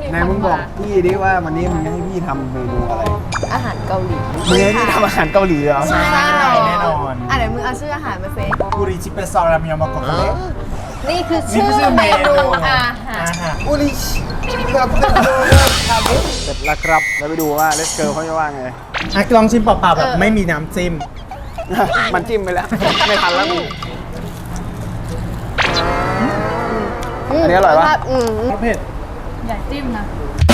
ไหนมึงบอกพี่ดิว่าวันนี้มึงจะให้พี่ทำเมนูอะไรอาหารเกาหลีมึงให้พี่ทำอาหารเกาหลีเหรอใช่แน่นอนเดี๋ยวมึงเอาชื่ออาหารมาเซกุริชิเปซอรามยามะกอกเล็กนี่คือชื่อเมนูอาหารอุลิชครับเสร็จแล้วครับแล้วไปดูว่าเลสเกิร์ลเขาจะว่าไงลองชิมเปล่าๆแบบไม่มีน้ำจิ้มมันจิ้มไปแล้ว ไม่ทันแล้วมึงอันนี้อร่อยปะเผ็ดอย่าจิ้มนะ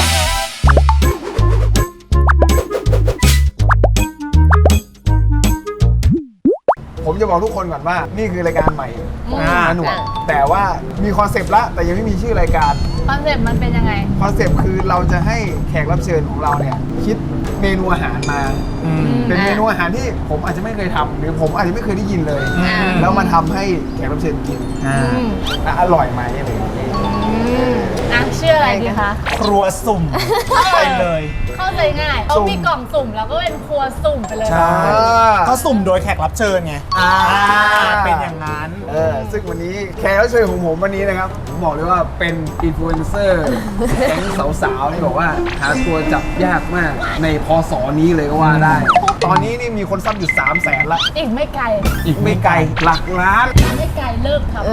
ผมจะบอกทุกคนก่อนว่านี่คือรายการใหม่ของหนวดแต่ว่ามีคอนเซปต์ละแต่ยังไม่มีชื่อรายการคอนเซ็ปต์มันเป็นยังไงคอนเซปต์คือเราจะให้แขกรับเชิญของเราเนี่ยคิดเมนูอาหารมา เป็นเมนูอาหารที่ผมอาจจะไม่เคยทำหรือผมอาจจะไม่เคยได้ยินเลย แล้วมาทำให้แขกรับเชิญกินและอร่อยไหมอะไรอย่างเงี้ยชื่ออะไรดีคะครัวสุ่มไปเลยเข้าใจง่ายเขามีกล่องสุ่มแล้วก็เป็นครัวสุ่มไปเลยใช่ก็สุ่มโดยแขกรับเชิญไงเป็นอย่างนั้นซึ่งวันนี้แขกรับเชิญของผมวันนี้นะครับผมบอกเลยว่าเป็นอินฟลูเอนเซอร์แก๊งสาวๆที่บอกว่าหาตัวจับยากมากในพศนี้เลยก็ว่าได้ ตอนนี้นี่มีคนซับอยู่300,000ละอีกไม่ไกลอีกไม่ไกลหลักล้านไม่ไกลเลิกทำ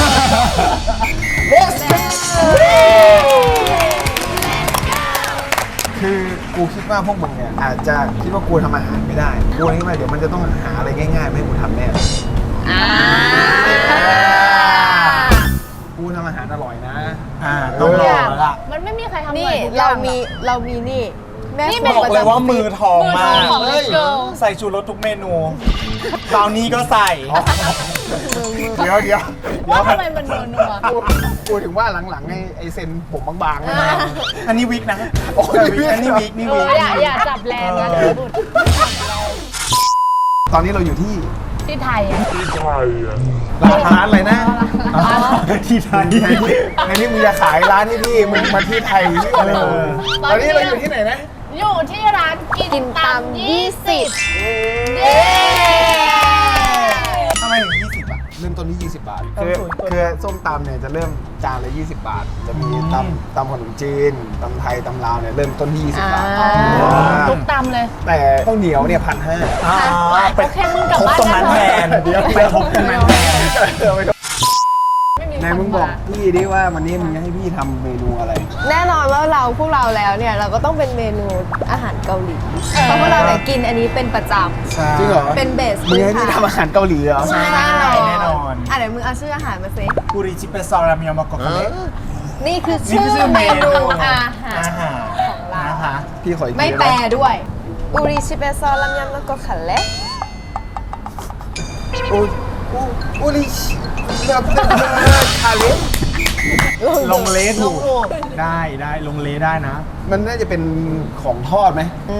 คือกูคิดว่าพวกมึงเนี่ยอาจจะคิดว่ากูทำอาหารไม่ได้กูคิดว่าเดี๋ยวมันจะต้องหาอะไรง่ายๆมาให้กูทำแน่เลยกูทำอาหารอร่อยนะต้องลองแล้วล่ะมันไม่มีใครทำนี่ทุกอย่เรามีนี่แม่นี่ครับอกเลยว่ามือทองมากของเลเกิลใส่ชูรสทุกเมนูบราวนี่ก็ใส่เดี๋ยวว่าทำไมมันนัวกูถึงว่าหลังๆไอ้เซนผมบางๆนะอันนี้วิกนะโอ้ยอันนี้วิกนี่เอวิอก อย่าจับแรงนะเดี๋ยวบุดตอนนี้เราอยู่ที่ที่ไทยอ่ะร้านอะไรนะที่ไทยในนี้มึงจะขายร้านที่พี่มึงมาที่ไทยที่อะไรตอนนี้เราอยู่ที่ไหนนะอยู่ที่ร้านกินตาม20 เย้ทำไมถึง20อ่ะเริ่มต้นที่20 บาทต้นทุนคือส้มตำเนี่ยจะเริ่มจานละ20 บาท จะมีตำขนมจีนตำไทยตำลาวเนี่ยเริ่มต้นที่20 บาททุกตำเลยแต่ข้าวเหนียวเนี่ย1,500 ไปโอเคมึงกลับทบบ้านตรงนั้นแทนเดี๋ยวไปทบตรงนั้นแทนไม่มีไหนมึงบอกพี่ดิว่าวันนี้มึงจะให้พี่ทำเมนูอะไรแน่นอนว่าพวกเราแล้วเนี่ยเราก็ต้องเป็นเมนูอาหารเกาหลีเพราะว่าเราเนี่ยกินอันนี้เป็นประจจริงเหรอำเป็นเบสมึงให้พี่ทำอาหารเกาหลีเหรอใช่แน่นอนเดี๋ยวมึงเอาชื่ออาหารมาเซกุริชิเปซอรามยามะกอกเล็กนี่คือชื่อเมนูอาหารอาหารของเรานะคะพี่ขออีกทีไม่แปลด้หด้วยอุริชิเปซอลัมยำมะกอกขันเละอุลิชกับคาเลสลงเลถูกได้ลงเลได้นะมันน่าจะเป็นของทอดไหม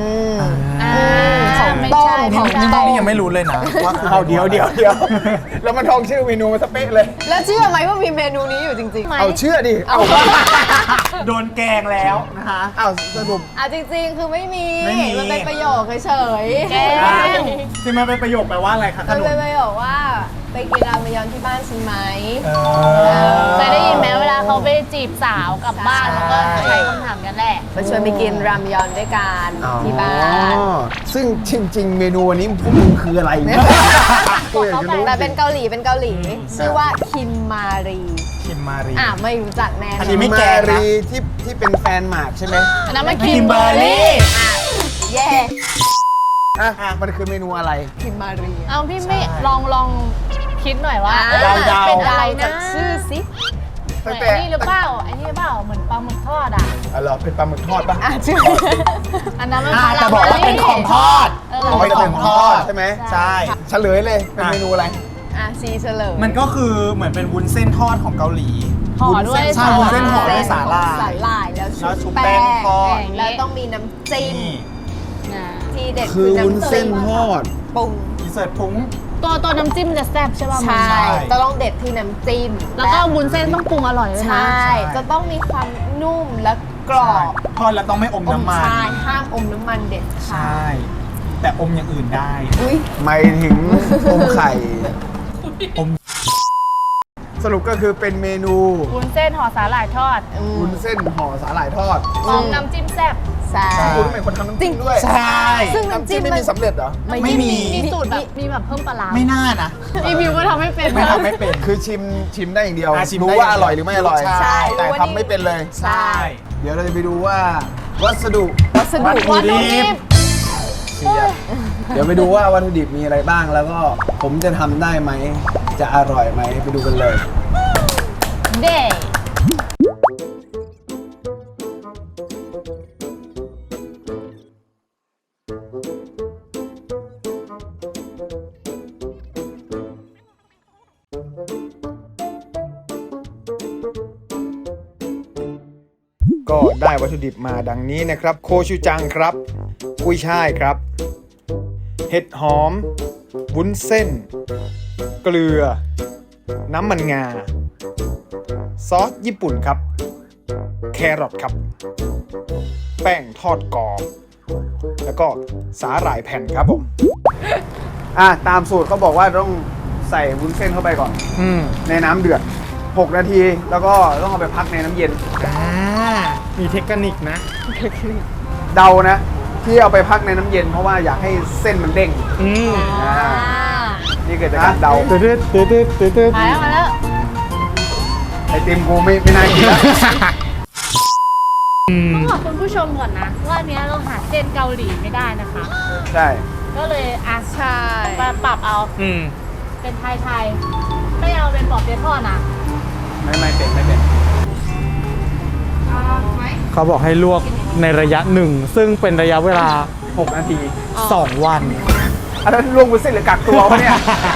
ของไม่ต้มใช่ของไม่ต้ใช่มนี่ยังไม่รู้เลยนะว่าคือเอาเดี๋ยวแล้วมันทองชื่อเมนูมาสเป๊ะเลยแล้วเชื่อไหมว่ามีเมนูนี้อยู่จริงๆเอาเชื่อดิ เอาโดนแกงแล้วนะคะเอาสรุปจริงๆ คือไม่มีไม่มีมันเป็นประโยคเฉยๆแกงที่มันเป็นประโยคแปลว่าอะไรคะขมันนมเป็นประโยคว่าไปกินรามยอนที่บ้านฉันไหมเคยได้ยินไหมเวลาเขาไปจีบสาวกลับบ้านแล้วก็ใช้คำถามกันแหละมาชวนไปกินรามยอนด้วยกันที่บ้านซึ่งจริงๆ เมนูวันนี้พวกมึงคืออะไรเนี่ยกูอยากจะรู้แต่เป็นเกาหลีชื่อว่าคิมมารีคิมมารีไม่รู้จักแน่นอัอนนี้ไม่แกมางนะรีที่เป็นแฟนหมากใช่ไหมอันนั้นมันคิมเบอร์รี่แย่มันคือเมนูอะไรคิมมารีเอาพี่ไม่ลองคิดหน่อยว่าเดาๆเป็นอะไรนะจากชื่อสิเหมือนไอ้นี่หรือเปล่าไอ้นี่หรือเปล่าเหมือนปลาหมึกทอดอ่ะเหรอเป็นปลาหมึกทอดปะชื่ออันนั้นมันแต่บอกว่าเป็นของทอดเอาไปของทอดใช่ไหมใช่เฉลยเลยเป็นเมนูอะไรซีเฉลยมันก็คือเหมือนเป็นวุ้นเส้นทอดของเกาหลีห่อด้วยใช่วุ้นเส้นห่อด้วยสาหร่ายสาหร่ายแล้วแล้วชุชุบบ แป้แป้งงทอดแล้วต้องมีน้ำจิ้มนี่ที่เด็ดคือวุ้นน้ำเส้นทอดปรุงอินเสิร์ตพุ้งตัวน้ำจิ้มมันจะแซ่บใช่ป่ะใช่ใช่ต้องเด็ดที่น้ำจิ้มแล้วก็วุ้นเส้นต้องปรุงอร่อยด้วยใช่นะจะต้องมีความนุ่มและกรอบทอดแล้วต้องไม่อมน้ำมันใช่ห้ามอมน้ำมันเด็ดใชค่ะ่ แต่อมอย่างอื่นได้อุ้ยไม่ถึงอมไข่อมสรุปก็คือเป็นเมนูวุ้นเส้นห่อสาหร่ายทอดวุ้นเส้นห่อสาหร่ายทอดพร้อมน้ำจิ้มแซ่บใช่คุณเป็นคนทำน้ำจิ้มด้วยใช่ซึ่งน้ำน้ำจิ้จิ้มมไม่มีสำเร็จเหรอไม่มีมีสูตรแบบมีแบบเพิ่มปลาร้าไม่น่านะอีวิวก็ทำให้เป็นไม่ทำไม่เป็นคือชิมได้อย่างเดียวชิมรู้ได้ว่าอร่อยหรือไม่อร่อยใช่แต่ทำไม่เป็นเลยใช่เดี๋ยวเราจะไปดูว่าวัสดุวัสดุวัตถุดิบเดี๋ยวไปดูว่าวัตถุดิบมีอะไรบ้าง แล้วก็ผมจะทำได้ไหม จะอร่อยไหมไปดูกันเลยเด้ก็ได้วัตถุดิบมาดังนี้นะครับ โคชูจังครับ กุ้ยช่ายครับ เห็ดหอม วุ้นเส้น เกลือ น้ำมันงา ซอสญี่ปุ่นครับ แครอทครับ แป้งทอดกรอบ แล้วก็สาหร่ายแผ่นครับผม ตามสูตรเขาบอกว่าต้องใส่วุ้นเส้นเข้าไปก่อน ในน้ำเดือด 6 นาที แล้วก็ต้องเอาไปพักในน้ำเย็นมีเทคนิคนะเดานะ ที่เอาไปพักในน้ำเย็นเพราะว่าอยากให้เส้นมันเด้งนี่เกิดจากการเดาตืดตืดตืดตืดตืดมาแล้วไอติมกูไม่น่ากินแล้วต้องบอกคุณผู้ชมก่อนนะ ว่าอันเนี้ยเราหาเส้นเกาหลีไม่ได้นะคะใช่ก็เลยอ่ะใช่มาปรับเอาเป็นไทยๆไม่เอาเป็นปอบเปี๊ยะทอดนะไม่เป็นเขาบอกให้ลวกในระยะหนึ่ง ซึ่งเป็นระยะเวลา 6 นาที 2 วันอันนั้นลวกวุ้นเส้นหรือกักตัววะเนี่ย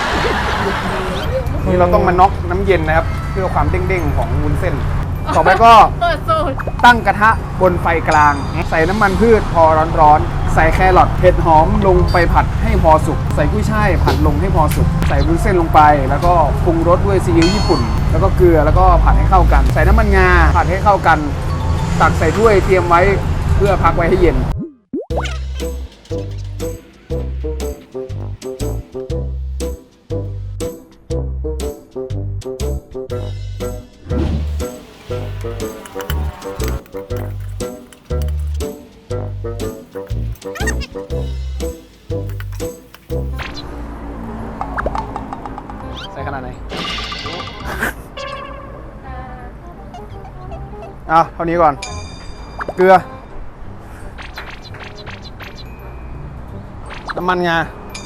นี่เราต้องมาน็อกน้ำเย็นนะครับ เพื่อความเด้งๆของวุ้นเส้น ต่อไปก็เปิดสูตรตั้งกระทะบนไฟกลาง ใส่น้ำมันพืชพอร้อนๆ ใส่แครอทเห็ดหอมลงไปผัดให้พอสุก ใส่กุ้ยช่ายผัดลงให้พอสุก ใส่วุ้นเส้นลงไป แล้วก็ปรุงรสด้วยซีอิ๊วญี่ปุ่น แล้วก็เกลือ แล้วก็ผัดให้เข้ากัน ใส่น้ำมันงา ผัดให้เข้ากัน ตักใส่ถ้วยเตรียมไว้เพื่อพักไว้ให้เย็น ใส่ขนาดไหน เท่านี้ก่อน เกลือ น้ำมันงา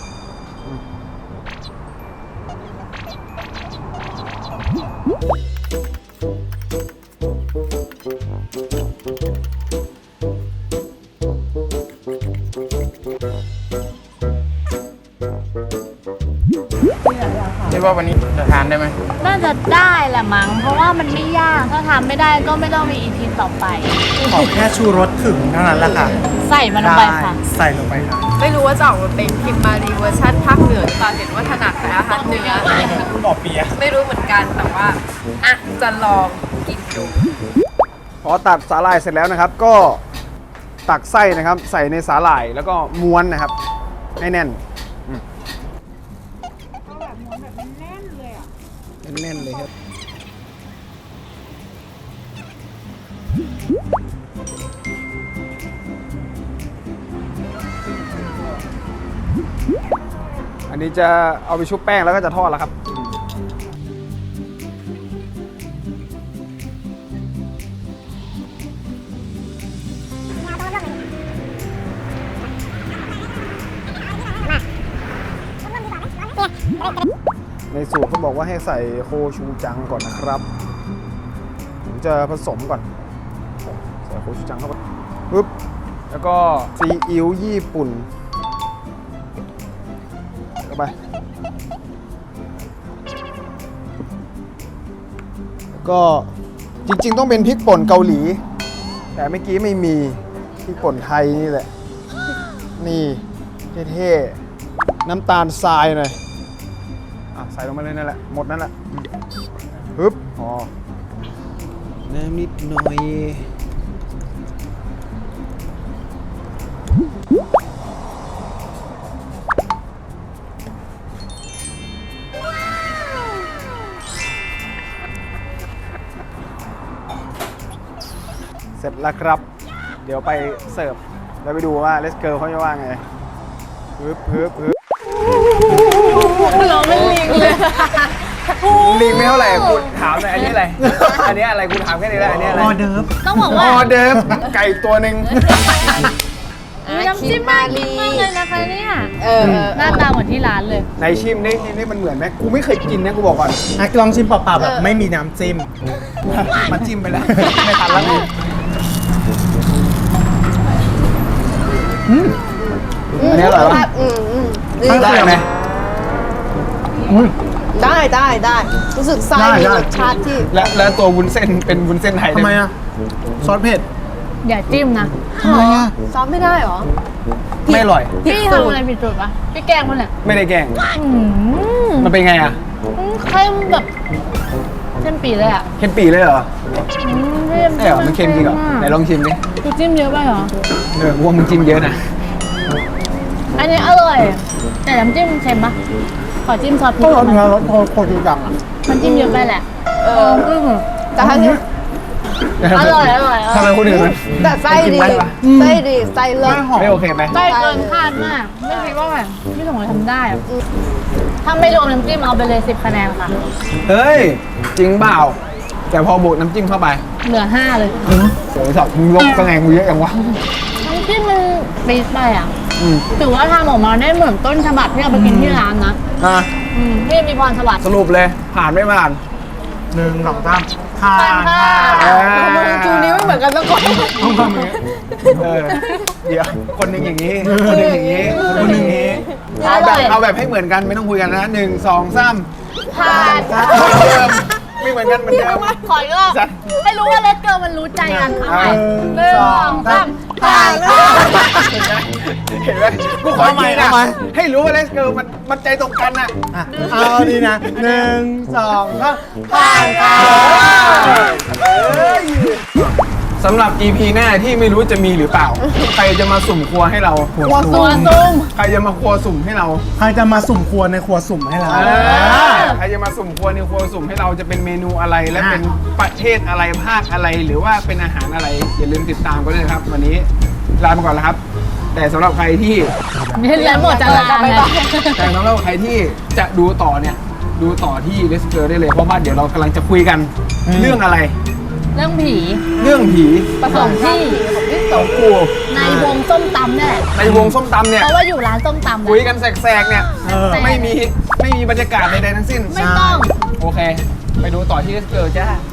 คิดว่าวันนี้จะทานได้ไหมน่าจะได้แหละมั้ง เพราะว่ามันไม่ยาก ถ้าทำไม่ได้ก็ไม่ต้องมีอีพีต่อไปขอแค่ชูรสถึงเท่านั้นแหละค่ะใส่มันลงไปค่ะใส่ลงไปค่ะไม่รู้ว่าจะออกมาเป็นคิมมารีเวอร์ชันภาคเหนือหรือเปล่าเห็นว่าถนัดแต่อาหารเหนือคุณบอกเปียะไม่รู้เหมือนกันแต่ว่าอ่ะจะลองกินดูพอตัดสาหร่ายเสร็จแล้วนะครับ ก็ตักไส้นะครับ ใส่ในสาหร่ายแล้วก็ม้วนนะครับให้แน่นแน่นเลยครับอันนี้จะเอาไปชุบแป้งแล้วก็จะทอดแล้วครับ ในสูตรเขาบอกว่าให้ใส่โคชูจังก่อนนะครับ ผมจะผสมก่อน ใส่โคชูจังเข้าไปปึ๊บ แล้วก็ซีอิ๊วญี่ปุ่นเข้าไปแล้วก็จริงๆต้องเป็นพริกป่นเกาหลี แต่เมื่อกี้ไม่มีพริกป่นไทยนี่แหละ นี่เท่ๆน้ำตาลทรายหน่อยใส่ลงมาเลยนั่นแหละ หมดนั่นแหละปึ๊บอ๋อน้ำนิดหน่อยแล้วครับ เดี๋ยวไปเสิร์ฟแล้วไปดูว่าเลสเกิร์ลเขาจะว่าไงปึ๊บปึ๊บปึ๊บเราไม่ลิงเลยลิงไม่เท่าไหร่กูถามหน่อยอันนี้อะไร อันนี้อะไรกูถามแค่นี้แหละอันนี้อะไรออเดิร์ฟต้องบอกอว่าอเดิร์ฟไก่ตัวหนึ่งน้ำจิ้มน่ากินมากเลยนะคะเนี่ย หน้าตาเหมือนที่ร้านเลยในชิมนี่มันเหมือนไหมกูไม่เคยกินนะกูบอกก่อนอ่ะลองชิมเปล่าๆแบบไม่มีน้ำจิ้มมันจิ้มไปแล้วไม่ทันแล้วอันนี้อร่อยปะ ได้ไหมได้รู้สึกไส้มีรสชาติที่และตัววุ้นเส้นเป็นวุ้นเส้นไทยทำไมอ่ะ ซอสเผ็ดอย่าจิ้มนะทำไมอ่ะซ้อมไม่ได้เหรอไม่อร่อยพี่ทำอะไรผิดจุดปะพี่แกล้งมันเนี่ยไม่ได้แกล้งอืมมันเป็นไงอ่ะเข้มแบบเข้มปีเลยอ่ะเค็มปีเลยเหรอเข้มใช่เหรอมันเค็มจริงเหรอไหนลองชิมดิกูจิ้มเยอะไปเหรอกูว่ามึงจิ้มเยอะนะอันนี้อร่อย แต่น้ำจิ้มเค็มปะขอจิ้มซอสพริก็กรสมันเนื้อรสโคตรจังอ่ะมันจิ้มเยอะไปแหละแต่ถ้าอร่อยอร่อยทำไมคนอื่นมันแต่ไส้ดีมันกินได้ปะไส้ดีไส้เลิศไม่หอมไม่โอเคไหมใกล้เกินคาดมาก ไม่คิดว่าแบบพี่สมรทำได้อะถ้าไม่รวมน้ำจิ้มเอาไปเลย10 คะแนนค่ะเฮ้ย จริงเปล่า แต่พอบวกน้ำจิ้มเข้าไปเหลือ 5 เลยโอ้ยสับมึงลบคะแนนกูเยอะอย่างวะน้ำจิ้มมันปี๊ดไปอ่ะอืมถือว่าทำออกมาได้เหมือนต้นฉบับที่เราไปกินที่ร้านนะอ่ะที่มีพรสวรรค์สรุปเลย ผ่านไม่ผ่าน 1 2 3ผ่านผ่านเอค่ะอมึงจูนิ้วไม่เหมือนกันสักคนต้องทำอย่างนี้เออเดี๋ยว คนหนึ่งอย่างนี้ คนหนึ่งอย่างนี้ คนหนึ่งอย่างนี้อเอาแบร่บอยเอาแบบให้เหมือนกันไม่ต้องคุยกันนะ1 2 3 ผ่านไม่เหมือนกันเหมือนเดิมขออีกรอบให้รู้ว่าเลสเกิร์ลมันรู้ใจกันเอาใหม่หนึ่ง 1 2 3ผ่านเห็นไหมกูขออีกทีนะให้รู้ว่าเลสเกิร์ลมันใจตรงกันอ่ะอ่ะเอาดีนะ 1 2 3ผ่านค่ะสำหรับ EP หน้าที่ไม่รู้จะมีหรือเปล่า ใครจะมาสุ่มครัวให้เราตัวซุ่มใครจะมาครัวสุ่มให้เราใครจะมาสุ่มครัวในครัวสุ่มให้เราใครจะมาสุ่มครัวในครัวสุ่มให้เราจะเป็นเมนูอะไรและเป็นประเทศอะไรภาคอะไรหรือว่าเป็นอาหารอะไรอย่าลืมติดตามกันด้วยนะครับ วันนี้ลาไปก่อนแล้วครับ แต่สำหรับใครที่นี่แล้วหมดจะลาเลยแต่สำหรับใครที่จะดูต่อเนี่ยดูต่อที่เลสเกอร์ได้เลยเพราะว่าเดี๋ยวเรากำลังจะคุยกันเรื่องอะไรเรื่องผีเรื่องผีผสมที่ของกูในวงส้มตำนี่แหละในวงส้มตำเนี่ยเพราะว่าอยู่ร้านส้มตำคุยกันแสกๆเนี่ยแต่ไม่มีบรรยากาศใดๆทั้งสิ้นไม่ต้องโอเค ไปดูต่อที่เลสเกอร์จ้า